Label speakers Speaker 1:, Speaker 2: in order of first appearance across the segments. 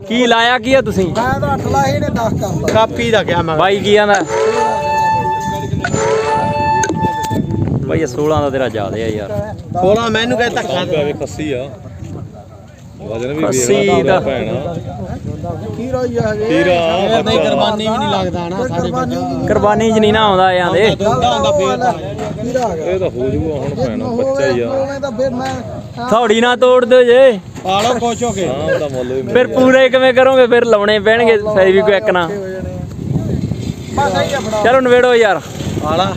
Speaker 1: ਕੀ ਲਾਇਆ ਕੀ ਆ ਤੁਸੀਂ?
Speaker 2: ਮੈਂ ਤਾਂ 8 ਲਾਏ ਨੇ 10 ਕਰਦਾ
Speaker 3: ਕਾਪੀ ਦਾ ਕਿਹਾ ਮੈਂ
Speaker 1: ਬਾਈ ਕੀ ਆਂਦਾ? ਬਾਈ ਇਹ 16 ਦਾ ਤੇਰਾ ਜ਼ਿਆਦਾ ਆ ਯਾਰ।
Speaker 3: 16 ਮੈਨੂੰ ਕਹਿ ਧੱਕਾ
Speaker 4: ਪੈ ਵੇ ਖੱਸੀ ਆ ਵਜਨ ਵੀ
Speaker 1: ਖੱਸੀ
Speaker 4: ਵੇਖਦਾ
Speaker 1: ਦਾ।
Speaker 4: ਭੈਣਾ
Speaker 2: ਖੀਰਾ ਹੀ ਆ ਹਜੇ
Speaker 4: ਹੀਰਾ
Speaker 3: ਨਹੀਂ ਕੁਰਬਾਨੀ ਵੀ ਨਹੀਂ ਲੱਗਦਾ ਨਾ ਸਾਡੇ ਬੱਚੇ
Speaker 1: ਕੁਰਬਾਨੀ ਚ ਨਹੀਂ ਨਾ ਆਉਂਦਾ ਜਾਂਦੇ।
Speaker 3: ਦੁੱਧਾ ਹੁੰਦਾ ਫੇਰ
Speaker 2: ਖੀਰਾ ਆ ਗਿਆ
Speaker 4: ਇਹ ਤਾਂ ਹੋ ਜੂਗਾ ਹੁਣ ਭੈਣਾ ਬੱਚਾ ਹੀ ਆ
Speaker 2: ਉਹਨੇ ਤਾਂ ਫਿਰ ਮੈਂ
Speaker 1: ਥੋੜੀ ਨਾ ਤੋੜ ਦਿਓ ਜੇ।
Speaker 3: ਪਾਲੋ ਖੁਸ਼ ਹੋ ਕੇ
Speaker 4: ਹਾਂ ਉਹਦਾ ਮੁੱਲ ਵੀ
Speaker 1: ਫਿਰ ਪੂਰੇ ਕਿਵੇਂ ਕਰੋਗੇ? ਫਿਰ ਲਾਉਣੇ ਪੈਣਗੇ ਫੈਵੀਕਵਿਕ ਨਾ।
Speaker 2: ਬਸ ਆਈ ਆਪਣਾ
Speaker 1: ਚਲੋ ਨਵੇੜੋ ਯਾਰ।
Speaker 3: ਆਲਾ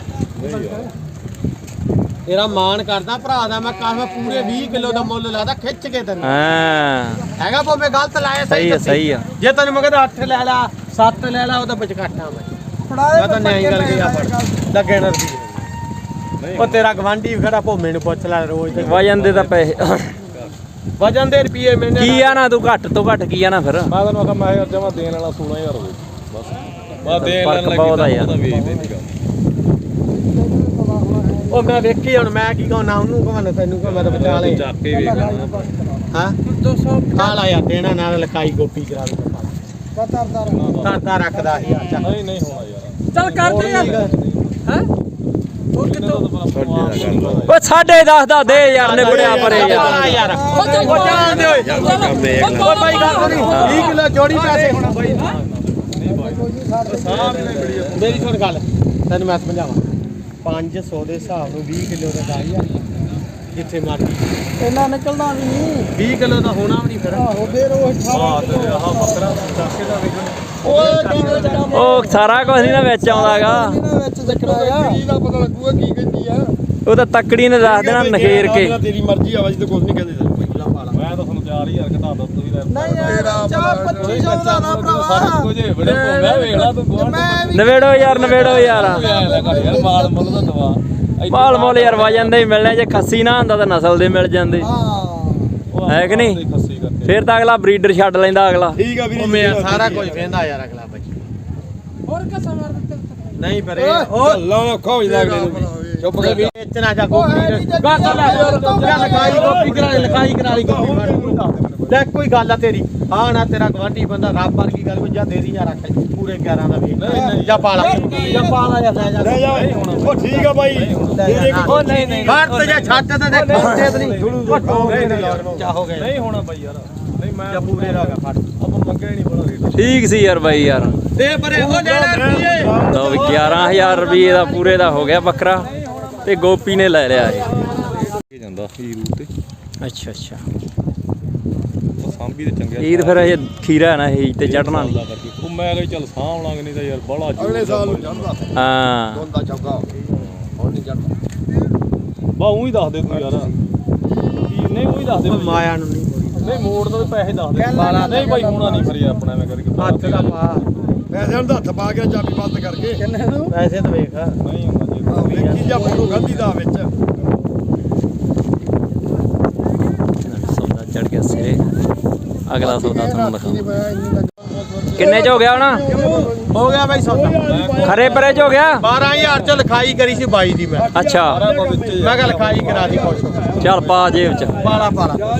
Speaker 3: ਤੇਰਾ ਮਾਣ ਕਰਦਾ ਭਰਾ ਦਾ ਮੈਂ ਕਾਹ ਪੂਰੇ 20 ਕਿਲੋ ਦਾ ਮੁੱਲ ਲਾਦਾ ਖਿੱਚ ਕੇ ਤੈਨੂੰ
Speaker 1: ਹਾਂ
Speaker 3: ਹੈਗਾ ਭਾਵੇਂ ਗਲਤ ਲਾਇਆ
Speaker 1: ਸਹੀ ਆ
Speaker 3: ਦੱਸੀ।
Speaker 1: ਸਹੀ ਆ।
Speaker 3: ਜੇ ਤੈਨੂੰ ਮੈਂ ਕਹਿੰਦਾ 8 ਲੈ ਲਾ 7 ਲੈ ਲਾ ਉਹਦਾ ਵਿੱਚ ਕੱਟਾਂ ਮੈਂ ਤਾਂ ਨਿਆਈ ਗੱਲ ਗਿਆ ਫੜ ਲੱਗੇ ਨਾ ਰੁਪਏ ਉਹ ਤੇਰਾ ਗਵਾਂਢੀ ਵੀ ਖੜਾ ਭੋਮੇ ਨੂੰ ਪੁੱਛ ਲੈ ਰੋਜ਼ ਤੇ
Speaker 1: ਵਜਨ ਦੇ ਤਾਂ ਪੈਸੇ
Speaker 3: ਵਜਨ ਦੇ ਰੁਪਏ ਮੈਨੇ
Speaker 1: ਕੀ ਆ ਨਾ ਤੂੰ ਘੱਟ ਤੋਂ ਘੱਟ ਕੀ ਆ ਨਾ ਫਿਰ।
Speaker 4: ਮੈਂ ਤੈਨੂੰ ਆਖਾਂ ਮੈਂ ਯਾਰ ਜਮਾ ਦੇਣ ਵਾਲਾ 16000 ਹੋਵੇ ਬਸ ਮੈਂ ਦੇਣ
Speaker 1: ਫਰਕ
Speaker 4: ਵਾਲਾ
Speaker 1: ਬਹੁਤ ਆ ਯਾਰ।
Speaker 4: ਉਹਦਾ ਵੇਚਦੇ ਨਹੀਂ ਕੰਮ
Speaker 3: ਉਹ ਮੈਂ ਵੇਖੀ ਹੁਣ ਮੈਂ ਕੀ ਕਹਾਂ ਨਾ ਉਹਨੂੰ ਕਹਾਂ ਨਾ ਤੈਨੂੰ ਕਹਾਂ ਮੈਂ ਤਾਂ ਬਚਾ ਲੈ
Speaker 4: ਚੱਕ ਕੇ ਵੇਖ ਲੈਣਾ
Speaker 3: ਹਾਂ
Speaker 2: 200
Speaker 3: ਖਾ ਲਾ ਯਾਰ ਦੇਣਾ ਨਾ ਲਕਾਈ ਗੋਪੀ ਕਰਾ ਦੇ ਤਾਂ ਰੱਖਦਾ ਸੀ ਯਾਰ ਚੱਲ
Speaker 4: ਨਹੀਂ ਨਹੀਂ ਹੋਣਾ ਯਾਰ
Speaker 2: ਚੱਲ ਕਰਦੇ ਯਾਰ ਹੈ ਉਹ ਕਿਤੋਂ
Speaker 1: ਓਏ 10.5 ਦਾ ਦੇ ਯਾਰ ਨੇ ਬੜਿਆ ਪਰੇ ਯਾਰ।
Speaker 3: ਯਾਰ ਉਹ ਜਾਣ ਦੇ ਓਏ ਓ ਬਾਈ ਗੱਲ ਨਹੀਂ 20 ਕਿਲੋ ਜੋੜੀ ਪੈਸੇ ਹੋਣਾ ਬਾਈ ਮੇਰੀ ਸੁਣ ਗੱਲ ਤੈਨੂੰ ਮੈਂ ਸਮਝਾਵਾਂ 500 ਦੇ ਹਿਸਾਬ ਨੂੰ 20 ਕਿਲੋ ਦਾ 10000 ਜਿੱਥੇ ਮਰਜੀ
Speaker 2: ਇਹਨਾਂ ਨਿਕਲਦਾ ਵੀ ਨਹੀਂ
Speaker 3: 20 ਕਿਲੋ ਦਾ ਹੋਣਾ ਵੀ ਨਹੀਂ ਫਿਰ
Speaker 2: ਆਹੋ ਫਿਰ ਉਹ
Speaker 4: ਹਾਂ ਤੇ ਆਹ ਬੱਕਰਾ ਚੱਕੇ ਦਾ ਵੇਖਣ
Speaker 1: ਉਹ ਸਾਰਾ ਕੁਝ ਨਹੀਂ ਨਾ ਵਿੱਚ ਆਉਂਦਾਗਾ।
Speaker 2: ਇਹਨਾਂ ਵਿੱਚ ਚੱਕਣਾ ਆ ਕੀ ਦਾ ਪਤਾ ਲੱਗੂਗਾ ਕੀ ਕਹਿੰਦੀ ਆ
Speaker 1: ਉਹ ਤਾਂ ਤੱਕੜੀ ਨੇ ਦੱਸ ਦੇਣਾ ਨਖੇਰ ਕੇ।
Speaker 4: ਤੇਰੀ ਮਰਜ਼ੀ ਆ ਵਜ ਤੇ ਕੁਝ ਨਹੀਂ ਕਹਿੰਦੇ ਮੈਂ ਤਾਂ ਤੁਹਾਨੂੰ 4000 ਘਟਾ ਦੋ ਤੁਸੀਂ
Speaker 2: ਨਹੀਂ ਯਾਰ ਚਾਹ 2500 ਦਾ ਨਾ ਭਰਾਵਾ
Speaker 4: ਕੁਝ ਬੜੇ ਭੋਗਾ ਵੇਖਣਾ ਤੂੰ
Speaker 2: ਮੈਂ ਵੀ
Speaker 1: ਨਵੇੜੋ ਯਾਰ ਨਵੇੜੋ ਯਾਰ।
Speaker 4: ਯਾਰ ਮਾਲ ਮੁੱਲ ਦਾ ਦਵਾ
Speaker 1: ਮਾਲ ਮੋਲ ਯਾਰ ਵਜਨ ਦੇ ਹੀ ਮਿਲਣੇ। ਜੇ ਖੱਸੀ ਨਾ ਹੁੰਦਾ ਤਾਂ ਨਸਲ ਦੇ ਮਿਲ ਜਾਂਦੇ
Speaker 2: ਹਾਂ
Speaker 1: ਹੈ ਕਿ ਨਹੀਂ?
Speaker 4: ਖੱਸੀ ਕਰਕੇ
Speaker 1: ਫਿਰ ਤਾਂ ਅਗਲਾ ਬਰੀਡਰ ਛੱਡ ਲੈਂਦਾ ਅਗਲਾ।
Speaker 4: ਠੀਕ ਆ ਵੀਰੇ
Speaker 3: ਉਹ ਮੈਂ ਸਾਰਾ ਕੁਝ ਵੇਂਦਾ ਯਾਰ ਅਗਲਾ ਬਾਈ
Speaker 2: ਹੋਰ ਕਿਸਾ ਮਾਰ ਦਿੱਤੇ
Speaker 3: ਨਹੀਂ ਪਰ ਇਹ ਉਹ
Speaker 4: ਲਾ ਖੋ
Speaker 3: ਚੁੱਪ ਕਰ ਵੇਚਣਾ ਜਾ ਗੋਪੀ ਗੱਲ ਲੈ ਲਕਾਈ ਗੋਪੀ ਕਰਾ ਲਈ ਲਕਾਈ ਕਰਾ ਲਈ ਗੋਪੀ ਲੈ ਕੋਈ ਗੱਲ ਆ ਤੇਰੀ ਹਾਂ ਨਾ ਤੇਰਾ ਗਵਾਂਢੀ ਬੰਦਾ ਰੱਬ ਵਰਗੀ ਗੱਲ ਕੋਈ ਜਾਂ ਦੇ ਦੀ ਜਾਂ ਰੱਖ ਲੈ ਪੂਰੇ 11 ਦਾ ਵੇਚ ਜਾਂ ਪਾਲਾ ਜਾਂ ਲੈ ਜਾ
Speaker 4: ਉਹ ਠੀਕ ਆ ਬਾਈ
Speaker 3: ਉਹ ਨਹੀਂ ਘਰ ਤੇ ਜਾ ਛੱਡ ਤੇ ਦੇਖ ਤੇ ਨਹੀਂ ਚਾਹੋਗੇ
Speaker 4: ਨਹੀਂ ਹੋਣਾ ਬਾਈ ਯਾਰ ਨਹੀਂ ਮੈਂ
Speaker 3: ਜਾਂ ਪੂਰੇ ਦਾ ਫੜ
Speaker 4: ਆਪਾਂ ਮੰਗਿਆ ਨਹੀਂ ਬੜਾ ਰੇਟ
Speaker 1: ਠੀਕ ਸੀ ਯਾਰ ਬਾਈ ਯਾਰ।
Speaker 3: ਦੇ ਪਰੇ ਉਹ ਲੈਣਾ ਰੁਪਏ
Speaker 1: ਲਓ ਵੀ 11000 ਰੁਪਏ ਦਾ ਪੂਰੇ ਦਾ ਹੋ ਗਿਆ ਬੱਕਰਾ ਤੇ ਗੋਪੀ ਨੇ ਲੈ ਲਿਆ ਇਹ।
Speaker 4: ਜਾਂਦਾ ਹੀਰ ਰੂਟ ਤੇ
Speaker 1: ਅੱਛਾ ਅੱਛਾ
Speaker 4: ਉਹ ਸਾਂਭੀ ਤੇ ਚੰਗਿਆ
Speaker 1: ਈਦ ਫਿਰ ਇਹ ਖੀਰਾ ਨਾ ਇਹ ਤੇ ਚੜਨਾ ਨਹੀਂ।
Speaker 4: ਉਹ ਮੈਂ ਕਿਹਾ ਚੱਲ ਸਾਂਭ ਲਾਂਗੇ ਨਹੀਂ ਤਾਂ ਯਾਰ ਬੜਾ
Speaker 5: ਅਗਲੇ ਸਾਲ ਨੂੰ ਚੜਦਾ
Speaker 1: ਹਾਂ
Speaker 5: ਦੋਂਦਾ ਚੌਗਾ ਹੁਣ ਨਹੀਂ ਚੜਦਾ
Speaker 4: ਬਾ ਉਹੀ ਦੱਸ ਦੇ ਤੂੰ ਯਾਰ ਕੀ ਨਹੀਂ ਉਹੀ ਦੱਸ ਦੇ
Speaker 3: ਮਾਇਆ ਨੂੰ ਨਹੀਂ
Speaker 4: ਨਹੀਂ ਮੋੜ ਦਾ ਪੈਸੇ ਦੱਸ ਦੇ ਨਹੀਂ ਬਾਈ ਹੋਣਾ ਨਹੀਂ ਫਿਰ ਯਾਰ ਆਪਣਾ ਐਵੇਂ ਕਰਕੇ
Speaker 3: ਹੱਥ ਦਾ ਪਾ
Speaker 5: ਪੈਸੇ ਨੂੰ ਹੱਥ ਪਾ ਕੇ ਚਾਬੀ ਬੰਦ ਕਰਕੇ
Speaker 2: ਕਿੰਨੇ ਨੂੰ
Speaker 3: ਪੈਸੇ ਤਾਂ ਵੇਖ
Speaker 4: ਨਹੀਂ ਹੁੰਦਾ ਜੇ
Speaker 5: ਵੇਖੀ ਜਾ ਫੋਟੋ ਗਾਂਧੀ ਦਾ ਵਿੱਚ
Speaker 1: ਸੌਦਾ ਚੜ ਗਿਆ ਸਿਰੇ। ਅਗਲਾ ਸੌਦਾ ਤੁਹਾਨੂੰ ਦਿਖਾਉਂਦਾ। ਕਿੰਨੇ ਚ ਹੋ ਗਿਆ ਹੁਣ?
Speaker 3: ਹੋ ਗਿਆ ਬਾਈ ਸੌਦਾ
Speaker 1: ਖਰੇ ਪਰੇ ਚ ਹੋ ਗਿਆ।
Speaker 3: 12000 ਚ ਲਿਖਾਈ ਕਰੀ ਸੀ 22 ਦੀ ਮੈਂ
Speaker 1: ਅੱਛਾ
Speaker 3: ਮੈਂ ਕਿਹਾ ਲਿਖਾਈ ਕਰਾ ਦੀ ਕੁਛ
Speaker 1: ਚੱਲ ਪਾ ਜੇਬ ਚ।
Speaker 3: ਪਾਲਾ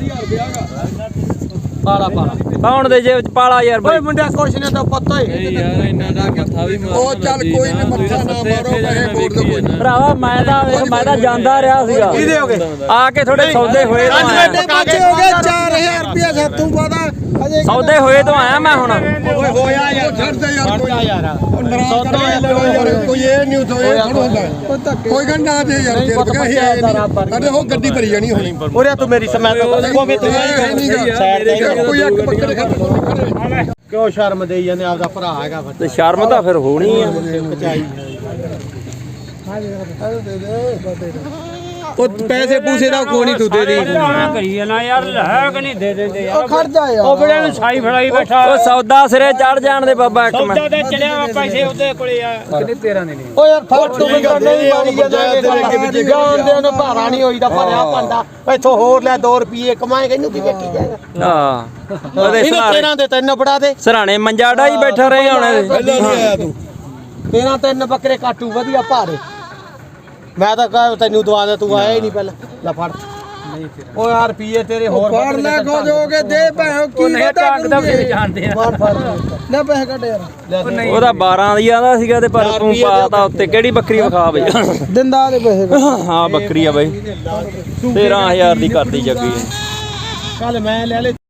Speaker 1: ਪਾਉਣ ਦੇ ਜੇਬ ਚ ਪਾਲਾ ਯਾਰ
Speaker 3: ਓਏ
Speaker 1: ਬਾਈ।
Speaker 3: ਮੁੰਡਿਆ ਕੁਛ ਨੇ ਤਾਂ ਪਤਾ ਹੀ
Speaker 4: ਯਾਰ ਇੰਨਾ ਦਾ ਮੱਥਾ ਵੀ
Speaker 5: ਉਹ ਚੱਲ ਕੋਈ ਨਹੀਂ ਮੱਥਾ ਨਾ ਮਾਰੋ ਪੈਸੇ ਮੋੜ ਦੋ ਕੋਈ
Speaker 1: ਭਰਾਵਾ ਮੈਂ ਤਾਂ ਜਾਂਦਾ ਰਿਹਾ ਸੀਗਾ।
Speaker 3: ਕਿਹਦੇ ਹੋ ਗਏ
Speaker 1: ਆ ਕੇ ਥੋੜੇ ਸੌਦੇ ਹੋਏ ਤੋਂ ਆਇਆ।
Speaker 2: ਬੱਚੇ ਹੋ ਗਏ 4000 ਰੁਪਏ ਸਾਤੋਂ ਪਤਾ ਅਜੇ
Speaker 1: ਸੌਦੇ ਹੋਏ ਤੋਂ ਆਇਆ ਮੈਂ ਹੁਣ।
Speaker 3: ਓਏ ਹੋਇਆ ਯਾਰ
Speaker 5: ਛੱਡਦੇ ਯਾਰ ਕੋਈ
Speaker 3: ਛੱਡਦਾ ਯਾਰ
Speaker 5: ਉਹ ਨਾਰਾਜ਼ ਕਰਕੇ ਯਾਰ ਕੋਈ ਇਹ ਨਹੀਂ ਹੁੰਦਾ ਕੋਈ ਗੱਲ ਨਾ ਦੇ ਯਾਰ ਤੇਰੇ ਬਗਾ ਇਹ ਨਹੀਂ ਅਰੇ ਉਹ ਗੱਡੀ ਭਰੀ ਜਾਣੀ ਹੋਣੀ
Speaker 3: ਉਰੇ ਤੂੰ ਮੇਰੀ ਸਮੈਤ ਕੋਵੇਂ ਤੂੰ ਸਾਈਡ ਤੇ
Speaker 5: ਕੋਈ ਇੱਕ ਬੱਕਰੇ ਖੜੇ
Speaker 3: ਕਿਉਂ ਸ਼ਰਮ ਦੇਈ ਜਾਂਦੇ ਆਪਦਾ ਭਰਾ ਹੈਗਾ
Speaker 1: ਤੇ ਸ਼ਰਮ ਤਾਂ ਫਿਰ ਹੋਣੀ ਆ।
Speaker 3: ਪਚਾਈ ਉਹ ਪੈਸੇ ਪੂਸੇ ਦਾ ਕੋਈ ਨਹੀਂ ਤੂੰ ਦੇ ਦੀ
Speaker 6: ਕਰੀ ਜਾਣਾ ਯਾਰ ਹੈ ਕਿ ਨਹੀਂ ਦੇ ਦਿੰਦੇ ਯਾਰ
Speaker 2: ਉਹ ਖੜ ਜਾ ਯਾਰ
Speaker 6: ਉਹ ਬੜੇ ਨੂੰ ਸਾਈ ਫੜਾਈ ਬੈਠਾ
Speaker 1: ਉਹ ਸੌਦਾ ਸਿਰੇ ਚੜ ਜਾਣ ਦੇ ਬਾਬਾ ਇੱਕ
Speaker 6: ਸੌਦਾ
Speaker 1: ਮਿੰਟ।
Speaker 6: ਤੇ ਚੜਿਆ ਵਾ ਪੈਸੇ ਉਹਦੇ ਕੋਲੇ ਆ ਕਿੰਨੇ 13 ਦੇ ਨੇ
Speaker 3: ਓ ਯਾਰ ਫੋਟੋ ਵੀ ਨਹੀਂ ਮਾਰੀ ਜਾਂਦੇ ਜਾਨ ਦੇ ਨੂੰ ਭਾਰਾ ਨਹੀਂ ਹੋਈਦਾ ਭਰਿਆ ਪੰਡਾ ਇੱਥੋਂ ਹੋਰ ਲੈ 2 ਰੁਪਏ ਕਮਾਏਗਾ ਇਹਨੂੰ ਕੀ ਵੇਖੀ ਜਾਏਗਾ
Speaker 1: ਹਾਂ ਉਹਦੇ
Speaker 3: ਇਹਨੂੰ
Speaker 1: ਸਰਾਣੇ
Speaker 3: 13 ਦੇ 3 ਬੜਾ ਦੇ
Speaker 1: ਸਰਾਣੇ ਮੰਜਾ ਡਾਈ ਬੈਠਾ ਰਹੇ ਹੁਣ।
Speaker 5: ਪਹਿਲਾਂ ਨਹੀਂ ਆਇਆ ਤੂੰ
Speaker 3: 13 3 ਬੱਕਰੇ ਕਾਟੂ ਵਧੀਆ ਭਾਰੇ ਮੈਂ ਤਾਂ ਕਹਾਂ ਤੈਨੂੰ ਦਵਾ ਦੇ ਤੂੰ ਆਇਆ ਹੀ ਨਹੀਂ ਪਹਿਲਾਂ ਲੈ ਫੜ ਓ ਯਾਰ ਰੁਪਏ ਤੇਰੇ ਹੋਰ
Speaker 2: ਫੜ ਲੈ ਖੋ ਜੋਗੇ ਦੇ ਭੈਣ ਕੀ ਵਾਦਾ ਕਰੂਗੇ
Speaker 6: ਜਾਣਦੇ ਆ
Speaker 3: ਮਾਰ ਫੜ
Speaker 2: ਲੈ ਪੈਸੇ ਕੱਢ ਯਾਰ
Speaker 1: ਉਹਦਾ 12 ਦੀ ਆਂਦਾ ਸੀਗਾ ਤੇ ਪਰ ਤੂੰ ਪਾਤਾ ਉੱਤੇ ਕਿਹੜੀ ਬੱਕਰੀ ਵਿਖਾ ਬਈ
Speaker 2: ਦਿੰਦਾ ਦੇ ਪੈਸੇ
Speaker 1: ਹਾਂ ਬੱਕਰੀ ਆ ਬਈ 13000 ਦੀ ਕਰਦੀ ਜੱਗੀ
Speaker 3: ਕੱਲ ਮੈਂ ਲੈ ਲੈ